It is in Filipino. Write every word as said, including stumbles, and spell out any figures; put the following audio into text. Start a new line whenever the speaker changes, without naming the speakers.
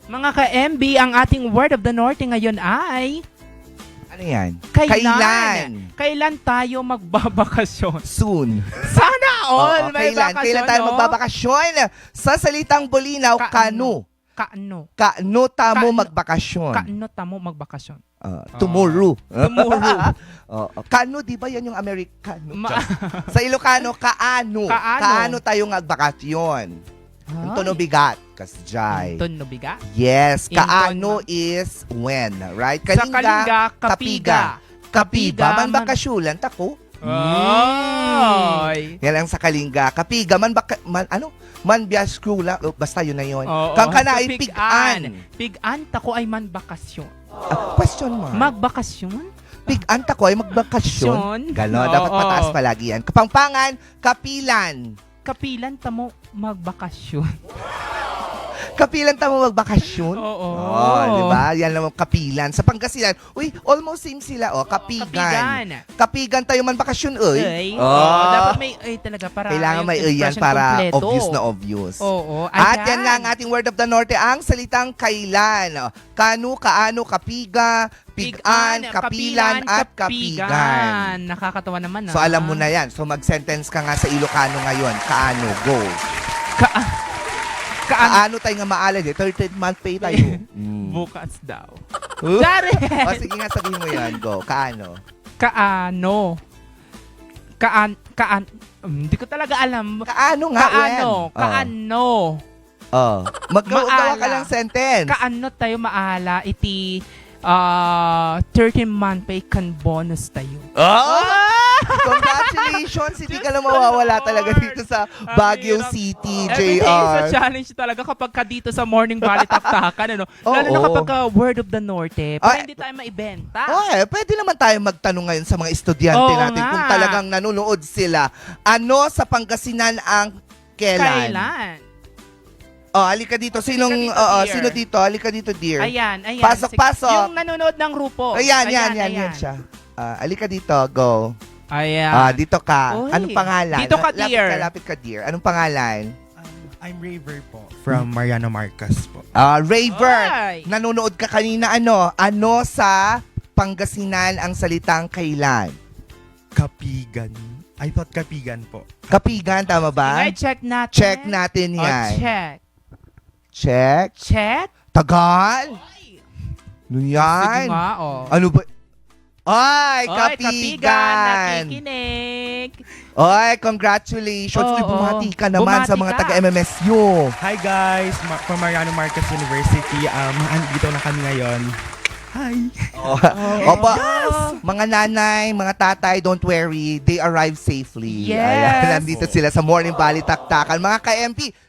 Mga ka-M B, ang ating word of the North ngayon ay...
Ano yan?
Kailan? Kailan tayo magbabakasyon?
Soon.
Sana all
Oo,
may
kailan?
bakasyon,
Kailan tayo
no?
magbabakasyon? Sa salitang Bulinaw, kanu.
Kaano?
Kanu tamo
Kaano?
magbakasyon.
Kaano tamo magbakasyon?
Uh, tomorrow.
Tomorrow.
Oo. Kanu, di ba yan yung Amerikano?
Ma-
Sa Ilocano, kaano.
Kaano.
Kaano tayo magbakasyon. Ang tono bigat. Kasjay.
Inton no biga?
Yes.
Inton
Kaano
na.
is when, right?
Sa Kalinga, kapiga.
Kapiga, man
man-
bakasyulan, tako.
Ay.
Yan ang sa Kalinga. Kapiga, man baka, man, ano? Man biyaskula. Oh, basta yun na yun.
Oo.
Kang kana
Sa
ay pigan.
Pigan, tako ay man bakasyon.
Ah, question mo.
Magbakasyon?
Pigan tako ay magbakasyon.
Syon?
Ganon,
Oo.
dapat mataas palagi yan. Kapampangan, kapilan.
Kapilan tamo magbakasyon.
Kapilan tamo magbakasyon.
Oo.
Oh, di ba? Yan naman kapilan. Sa Pangasinan, uy, almost same sila, oh. Kapigan.
Kapigan.
Kapigan tayo man bakasyon, uy.
Ay.
Oh.
Oo, dapat may ay talaga para
Kailangan
yung
may uy yan
expression
para
kompleto.
obvious na obvious.
Oo.
At yan nga ang ating word of the Norte, ang salitang kailan. Oh, Kanu, kaano, kapiga, pigan, kapilan, at kapigan.
Nakakatawa naman, ah.
So alam mo na yan. So mag-sentence ka nga sa Ilocano ngayon. Kaano, go.
Ka Kaan
Kaano tayo nga maalad eh. thirteenth month pay tayo. Mm.
bukas daw.
Huh?
Dari.
O sige nga, sabihin mo yan. Go. Kaano?
Kaano? Kaan kaan um, hindi ko talaga alam.
Kaano nga,
Kaano?
when?
Kaano?
Oh. Maggawa ka
Maala.
lang sentence.
Kaano tayo maala iti uh, thirteen month pay kan bonus tayo.
Oh! Congratulations! Hindi ka na mawawala talaga dito sa Baguio City,
Every
J
day is a
R.
challenge talaga kapag ka dito sa Morning Valley Taktakan, ano?
Oo.
Lalo na kapag ka Word of the Norte, para
Ay.
hindi tayo maibenta.
Oh, eh, pwede naman tayo magtanong ngayon sa mga estudyante
Oo
natin
nga.
kung talagang nanonood sila. Ano sa Pangasinan ang kailan?
Kailan?
Oh, halika dito. Sinong,
Halika dito,
oo,
dear.
sino dito? Halika dito, dear.
Ayan, ayan.
Pasok,
Sige.
pasok.
Yung nanonood ng grupo.
Ayan, yan, yan, yan siya. Ah, halika dito, go.
Ayan.
Ah, dito ka.
Uy.
Anong pangalan?
Dito ka,
Lapit
dear.
ka, lapit ka, dear. Anong pangalan?
Um, I'm Raver po, from Mariano Marcos po.
Ah, Raver.
Ay.
Nanonood ka kanina, ano? Ano sa Pangasinan ang salitang kailan?
Kapigan. I thought Kapigan po.
Kapigan, tama ba?
Ingay, check natin.
Check natin
Oh,
yan.
check.
Check.
Check.
Tagal. Ano
Sige
yan?
nga, oh.
Ano ba? Ay,
Oy,
kapigan.
nakikinig.
Oy, congratulations. Uy,
Oo.
bumati ka naman
Bumati
sa mga
ka.
taga-M M S U.
Hi guys, Ma- from Mariano Marcos University. Um, andito na kami ngayon. Hi.
Oh, Opo, mga nanay, mga tatay, don't worry. They arrive safely.
Yes.
Ayan, nandito sila sa Morning Valley Taktakan. Mga ka-M P,